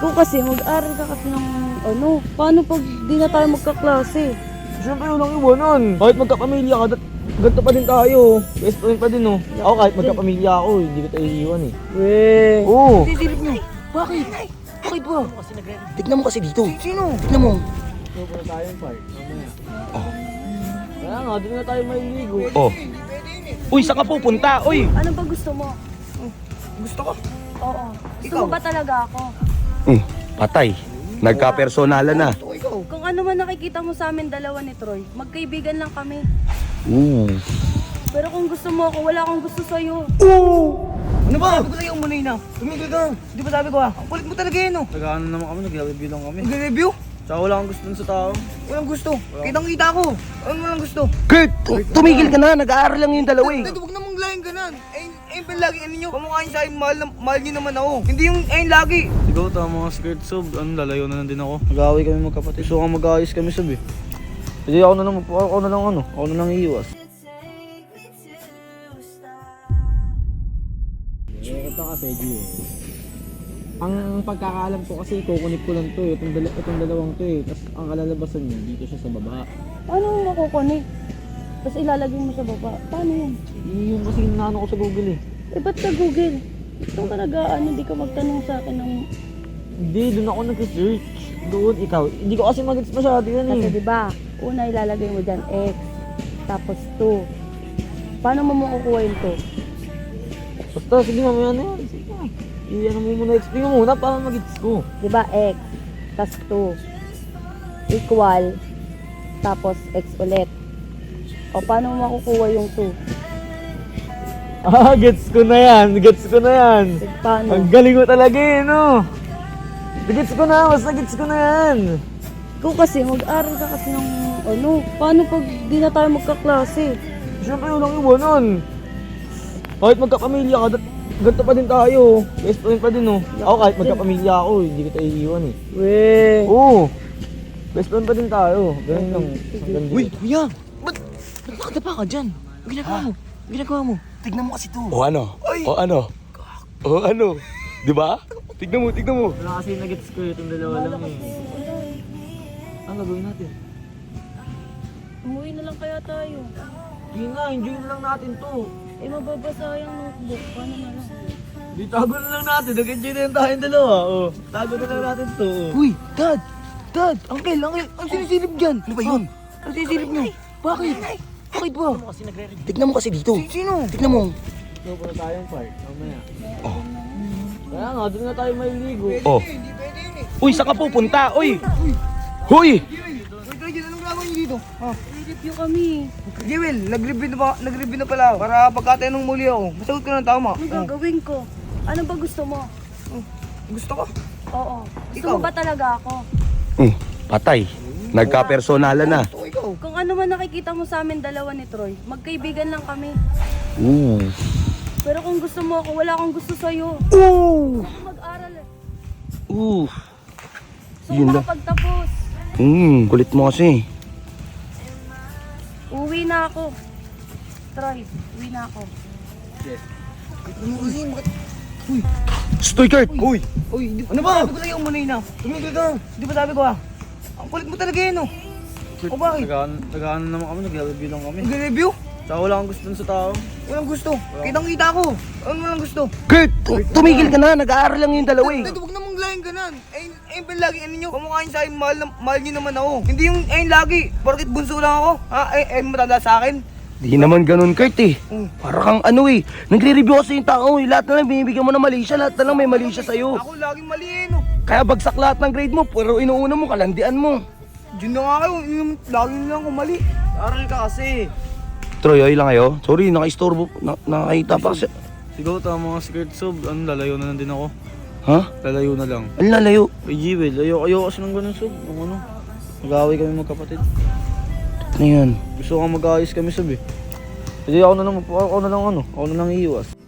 Kung kasi mag-aral ka kasi ng ano, paano pag di na tayo magkaklase? Siyempre walang iwanan. Kahit magkapamilya ka, ganito pa din tayo. Best friend pa din, oh. Ako kahit magkapamilya ako, hindi ko tayo iiwan eh. Weh. Oo. Sisilip nyo. Bakit? Bakit ba? Tignan mo kasi dito. Sino? Tignan mo. Pupunta na tayo yung park. Mamaya. Kaya nga, doon na tayo maliligo. Oh. Uy, saan ka pupunta? Uy! Ano ba gusto mo? Gusto ko. Oo. Gusto Ikaw? mo ba talaga ako? Patay. Nagka-personalan na. Ikaw. Kung ano man nakikita mo sa amin dalawa ni Troy, magkaibigan lang kami. Pero kung gusto mo ako, wala akong gusto sa'yo. Ano ba? Sabi ko sa'yo umunay na. Tumigil ka. Di ba sabi ko ha? Ang kulit mo talaga yun oh. Nag-ano naman kami, nag-review lang kami. Nag-review? Tsaka wala akong gusto dun sa tao. Walang gusto. Kitang-kita ko. Ano walang gusto? Kurt! Tumigil ka na. Nag-aaral lang yung dalawa eh. Huwag namang laging ganan. Ayun pa lagi ano nyo. Kamukha yun sa'yo, mahal nyo naman ako. Hindi yung ayun lagi. Sigaw, tama mga skirt sub. Ano, lalayo na lang din ako. Mag-away kami magkapatid. So, mag-aayos kami sub eh. Hindi ako na lang iiwas. Ito kasi, G. Ang pagkakaalam ko kasi kukunik ko lang to eh. Itong dalawang to eh. Tapos ang kalalabasan niya, dito siya sa baba. Paano mo makukunik? Tapos ilalagay mo sa baba. Paano yun? Yung kasi naano ko sa Google eh. Eh, ba't sa Google? Ito ka hindi ka magtanong sa akin ng... Hindi, doon ako nag-search. Doon, ikaw. Hindi ko kasi mag-gets masyado yan eh. Kasi diba, una ilalagay mo dyan X, tapos 2. Paano mo makukuha yung 2? Basta, sige mamaya na yan. Sige na. Iyan mo muna, explain mo muna para mag-gets ko. Diba X, tas 2, equal, tapos X ulit. O paano mo makukuha yung 2? Ah, gets ko na yan. Gets ko na yan. Paano? Ang galing mo talaga eh, no? Gets ko na, basta gets ko na yan. Kung kasi mag-aral ka kasi ng ano, paano pag di na tayo magkaklase? Siyempre walang iwanan. Kahit magkapamilya ka, ganito pa din tayo. Best friend pa din, oh. Ako kahit magkapamilya ako, hindi ko tayo iiwan eh. Weh. Oo. Best friend pa din tayo. Ganun lang. Hanggang dito. Uy, kuya! Ba't nakadapa ka dyan? Ang ginagawa mo? Ang ginagawa mo? Tignan mo kasi to. O ano? O ano? O ano? Di ba? Tignan mo, tignan mo. Wala kasi nag-gets ko itong dalawa lang eh. Ang gagawin natin? Umuwi na lang kaya tayo. Hindi nga, enjoy na lang natin to. Eh, mababasa yung notebook. Paano na lang? Di tago na lang natin. Nag-enjoy na yung tayong dalawa. Oh. Tago na lang natin to. Oh. Uy, Dad! Dad! Uncle! Ang sinisilip dyan! Ano ba yun? Ang sinisilip nyo? Bakit? Bakit ba? Tignan mo kasi dito. Sino? Tignan mo. Pupunta tayong park. Mamaya. Kaya nga, doon na tayo maliligo. Oh. Uy, saan ka pupunta? Uy! Huy! Wait, anong gagawin nyo dito? Ha? I-review kami. Jewel, nag-review na pala ako. Para pagkatanong muli ako, masagot ko ng tama. Ano gagawin ko? Ano ba gusto mo? Gusto ko. Oo. Gusto Ikaw? mo ba talaga ako? Patay. Nagka-personalan na. Gusto ko ikaw. Kung ano man nakikita mo sa amin dalawa ni Troy, magkaibigan lang kami. Pero kung gusto mo ako, wala akong gusto sa'yo. Ako mag-aral eh. So Yun lang. makapagtapos. Kulit mo kasi. Uwi na ako. Troy, uwi na ako. Ano kasi? Bakit? Stoy, Kurt! Uy! Ano ba? Sabi ko sa'yo umunay na. Tumigil ka. Di ba sabi ko ha? Ang kulit mo talaga yun oh. O bakit? Nag-ano naman kami, nag-review lang kami. Nag-review? Tsaka wala akong gusto dun sa tao. Walang gusto. Kitang-kita ko. Ano walang gusto? Kurt! Tumigil ka na. Nag-aaral lang yung dalawa eh. Dad, huwag namang laging ganan. Ayun pa lagi ano nyo. Kamukha yun sa'yo, mahal nyo naman ako. Hindi yung ayun lagi. Bakit bunso lang ako? Ha? Ayun matanda sa akin. Di naman ganun, Kurt eh. Para kang ano eh. Nagre-review kasi yung tao eh. Lahat na lang binibigyan mo na mali siya. Lahat na lang may mali siya sa'yo. Ako laging mali eh no. Kaya bagsak lahat ng grade mo. Pero inuuna mo, kalandian mo. Diyan na nga kayo. Lagi lang ako mali. Aral ka kasi. Troy, ay lang kayo. Sorry, naka-istorbo. Nakakita pa kasi. Sigaw, tama mga skirt sub. Ano, lalayo na lang din ako. Ha? Lalayo na lang. Ang lalayo. Ay, Jewel, ayaw kasi ng ganun sub. Ang ano, mag-away kami magkapatid. Ano yan? Gusto ko mag-ayos kami sub eh. Hindi ako na lang iiwas.